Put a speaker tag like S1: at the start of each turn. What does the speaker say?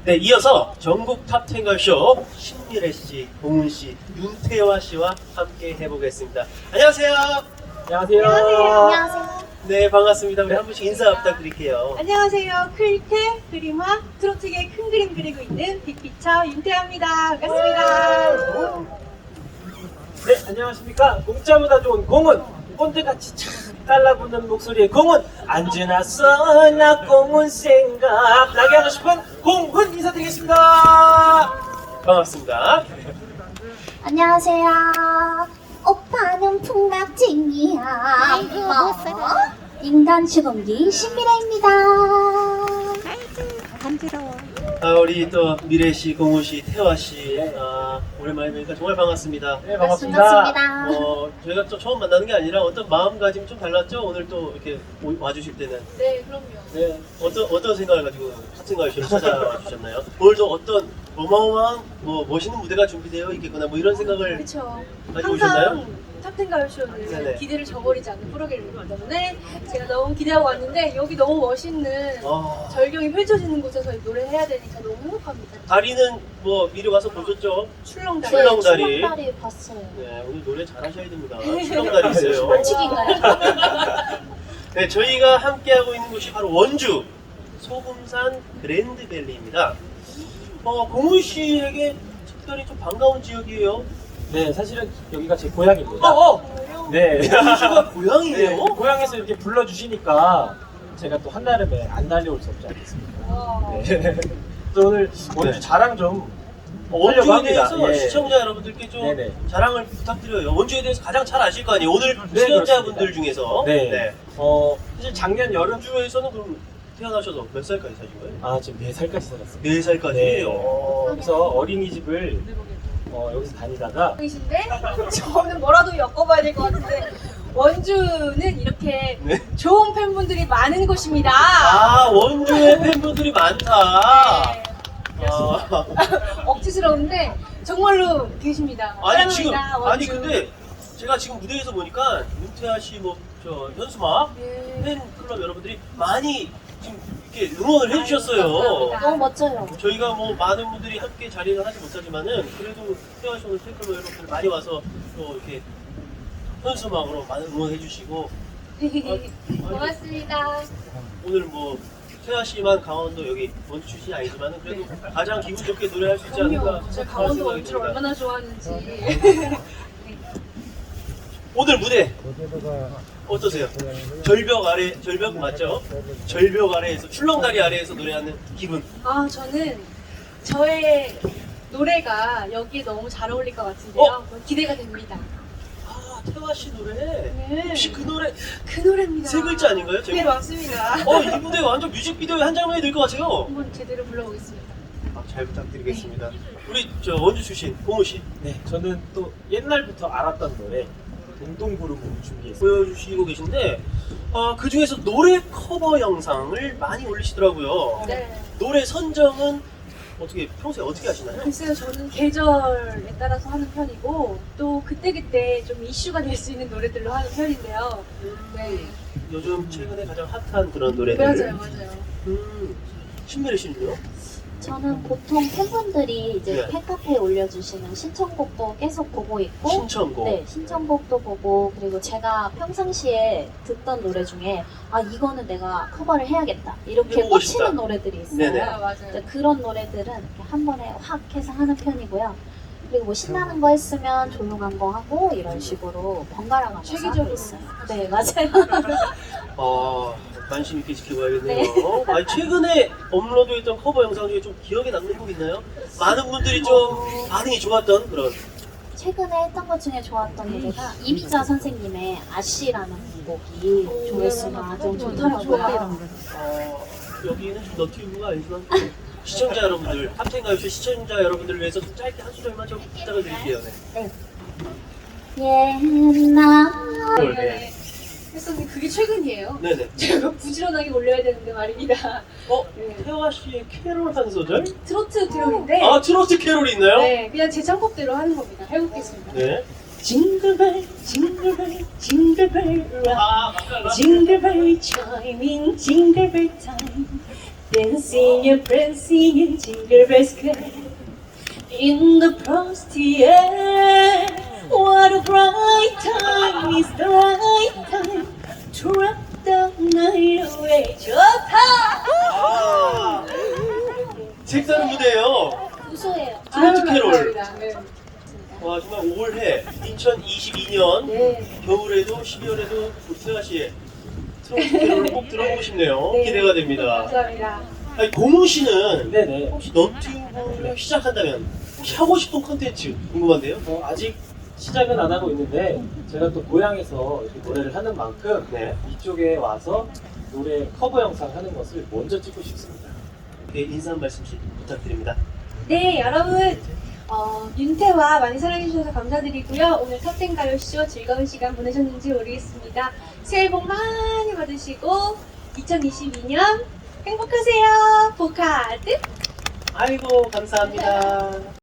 S1: 네, 이어서 전국 탑10 걸쇼 신미래 씨, 공훈 씨, 윤태화 씨와 함께 해보겠습니다. 안녕하세요.
S2: 안녕하세요.
S3: 안녕하세요.
S1: 네, 반갑습니다. 우리 한 분씩 인사 부탁드릴게요.
S3: 안녕하세요. 클테 그림화 트로트계 큰 그림 그리고 있는 빅피처 윤태화입니다. 반갑습니다.
S2: 네, 안녕하십니까. 공짜보다 좋은 공은 꼰대같이 참 달라붙는 목소리의 공은 안지났어 나 공은 생각 나게 하고 싶은 공훈 인사드리겠습니다.
S1: 반갑습니다.
S4: 안녕하세요. 오빠는 풍각쟁이야.
S3: 아이고, 못 살아.
S4: 인간 주공기 신미래입니다.
S3: 간지러워.
S1: 우리 또 미래 씨, 공훈 씨, 태화 씨, 오랜만에 뵈니까 정말 반갑습니다.
S2: 네, 반갑습니다.
S4: 반갑습니다.
S1: 저희가 또 처음 만나는 게 아니라 어떤 마음가짐이 좀 달랐죠? 오늘 또 이렇게 와주실 때는.
S3: 네, 그럼요.
S1: 네, 어떤 생각을 가지고 탑승가요 씨를 찾아와 주셨나요? 오늘도 어떤 어마어마한 멋있는 무대가 준비되어 있겠구나 이런 생각을
S3: 그렇죠.
S1: 가지고 오셨나요?
S3: 항상 탑텐 가요쇼는
S1: 네네.
S3: 기대를 저버리지 않는 프로그램이기 때문에 제가 너무 기대하고 왔는데 여기 너무 멋있는 절경이 펼쳐지는 곳에서 노래해야 되니까 너무 행복합니다.
S1: 다리는 미리 와서 보셨죠?
S3: 출렁다리.
S1: 출렁다리.
S4: 출렁다리 봤어요.
S1: 네, 오늘 노래 잘하셔야 됩니다. 출렁다리 있어요.
S4: 반칙인가요?
S1: 네, 저희가 함께하고 있는 곳이 바로 원주 소금산 그랜드밸리입니다. 공훈 씨에게 특별히 좀 반가운 지역이에요.
S2: 네, 사실은 여기가 제 고향입니다. 네.
S1: 공훈 씨가 고향이에요?
S2: 네, 고향에서 이렇게 불러주시니까 제가 또 한나름에 안 달려올 수 없지 않겠습니까? 네. 그래서 오늘 원주
S1: 네.
S2: 자랑 좀
S1: 원주에
S2: 하려고 합니다.
S1: 대해서
S2: 예.
S1: 시청자 여러분들께 좀
S2: 네네.
S1: 자랑을 부탁드려요. 원주에 대해서 가장 잘 아실 거 아니에요? 오늘
S2: 네,
S1: 시청자분들
S2: 그렇습니다.
S1: 중에서.
S2: 네. 사실 작년 여름
S1: 원주에서는 그럼 태어나셔서 몇 살까지 사신 거예요?
S2: 지금 4살까지 살았습니다.
S1: 4살까지?
S2: 네. 그래서 어린이집을 여기서 다니다가
S3: 이신데 저는 뭐라도 엮어봐야 될 것 같은데 원주는 이렇게
S1: 네.
S3: 좋은 팬분들이 많은 곳입니다.
S1: 원주에 팬분들이 많다.
S3: 네. 억지스러운데 정말로 계십니다. 사랑합니다, 원주.
S1: 근데 제가 지금 무대에서 보니까 윤태아 씨, 현수막
S3: 네.
S1: 팬클럽 여러분들이 많이 지금 이렇게 응원을 해주셨어요.
S3: 감사합니다.
S4: 너무 멋져요.
S1: 저희가 많은 분들이 함께 자리를 하지 못하지만은 그래도 태아 씨 오늘 팬클럽 여러분들 많이 와서 또 이렇게 현수막으로 많은 응원해주시고
S3: 고맙습니다.
S1: 오늘 태아 씨만 강원도 여기 원주 출신이 아니지만은 그래도 가장 기분 좋게 노래할 수 있지 않을까
S3: 그럼요. 제가 강원도
S1: 생각이
S3: 원주를
S1: 듭니다.
S3: 얼마나 좋아하는지.
S1: 오늘 무대 어떠세요? 절벽 맞죠? 절벽 아래에서 출렁다리 아래에서 노래하는 기분.
S3: 저는 저의 노래가 여기에 너무 잘 어울릴 것 같은데요. 기대가 됩니다.
S1: 태화 씨 노래.
S3: 네.
S1: 혹시 그 노래
S3: 그 노래입니다.
S1: 세 글자 아닌가요?
S3: 네, 맞습니다.
S1: 이 무대 완전 뮤직비디오의 한 장면이 될 것 같아요.
S3: 한번 제대로 불러보겠습니다.
S1: 잘 부탁드리겠습니다. 우리 원주 출신 공우 씨
S2: 네, 저는 또 옛날부터 알았던 노래 동동구름을 준비했어요.
S1: 보여주시고 계신데 그 중에서 노래 커버 영상을 많이 올리시더라고요.
S3: 네.
S1: 노래 선정은 평소에 어떻게 하시나요?
S3: 글쎄요, 저는 계절에 따라서 하는 편이고 또 그때그때 좀 이슈가 될 수 있는 노래들로 하는 편인데요. 네.
S1: 요즘 최근에 가장 핫한 그런 노래들.
S3: 맞아요.
S1: 신미래 씨는요?
S4: 저는 보통 팬분들이 이제
S1: 네.
S4: 팬카페에 올려주시는 신청곡도 계속 보고 있고
S1: 신청곡.
S4: 네, 신청곡도 보고 그리고 제가 평상시에 듣던 노래 중에 이거는 내가 커버를 해야겠다 이렇게
S1: 해보고
S4: 꽂히는
S1: 싶다.
S4: 노래들이 있어요.
S1: 네네.
S3: 맞아요.
S4: 네, 그런 노래들은 이렇게 한 번에 확 해서 하는 편이고요. 그리고 신나는 거 했으면 조용한 거 하고 이런 식으로 번갈아 가면서 하고
S3: 체계적으로
S4: 있어요. 네, 맞아요.
S1: 관심 있게 지켜봐야겠네요. 최근에 업로드했던 커버 영상 중에 좀 기억에 남는 곡 있나요? 많은 분들이 좀 반응이 좋았던 그런.
S4: 최근에 했던 것 중에 좋았던 노래가 이미자 선생님의 아씨라는 곡이 조회수가 좀 좋더라고요.
S1: 여기는 좀 너튜브가 아니지만 시청자 여러분들, 탑텐가요쇼 시청자 여러분들을 위해서 좀 짧게 한 소절만 좀 부탁을 드릴게요. 네.
S4: 옛날
S1: 네.
S3: 했었는데 그게 최근이에요.
S1: 네네.
S3: 제가 부지런하게 올려야 되는데 말입니다. 네.
S1: 태화 씨의 캐롤 한 소절?
S3: 트로트 트롯인데
S1: 트로트 캐롤이 있나요?
S3: 네, 그냥 제 창법대로 하는 겁니다. 해보겠습니다.
S1: 네.
S3: 징글벨 징글벨 징글벨 락 징글벨 chiming 징글벨 타임 Dancing and prancing in Jingle Bell Square in the frosty air. What a bright time is the right time to rock the night away. 좋다!
S1: 아, 색다른 무대예요.
S4: 우수해요.
S1: 트로트 캐롤.
S3: 네.
S1: 와, 정말 올해 2022년
S3: 네.
S1: 겨울에도 12월에도 우리 세아 씨의 트로트 캐롤을 꼭 들어보고 싶네요.
S3: 네.
S1: 기대가 됩니다.
S3: 감사합니다.
S1: 아니, 고문 씨는
S2: 네네.
S1: 혹시 너튜브를 시작한다면 혹시 하고 싶은 콘텐츠 궁금한데요?
S2: 아직 시작은 안 하고 있는데 제가 또 고향에서 이렇게 노래를 하는 만큼
S1: 네.
S2: 이쪽에 와서 노래 커버 영상 하는 것을 먼저 찍고 싶습니다.
S1: 네, 인사 한 말씀씩 부탁드립니다.
S3: 네, 여러분. 윤태와 많이 사랑해주셔서 감사드리고요. 오늘 탑텐 가요쇼 즐거운 시간 보내셨는지 모르겠습니다. 새해 복 많이 받으시고 2022년 행복하세요. 보카드.
S1: 아이고, 감사합니다.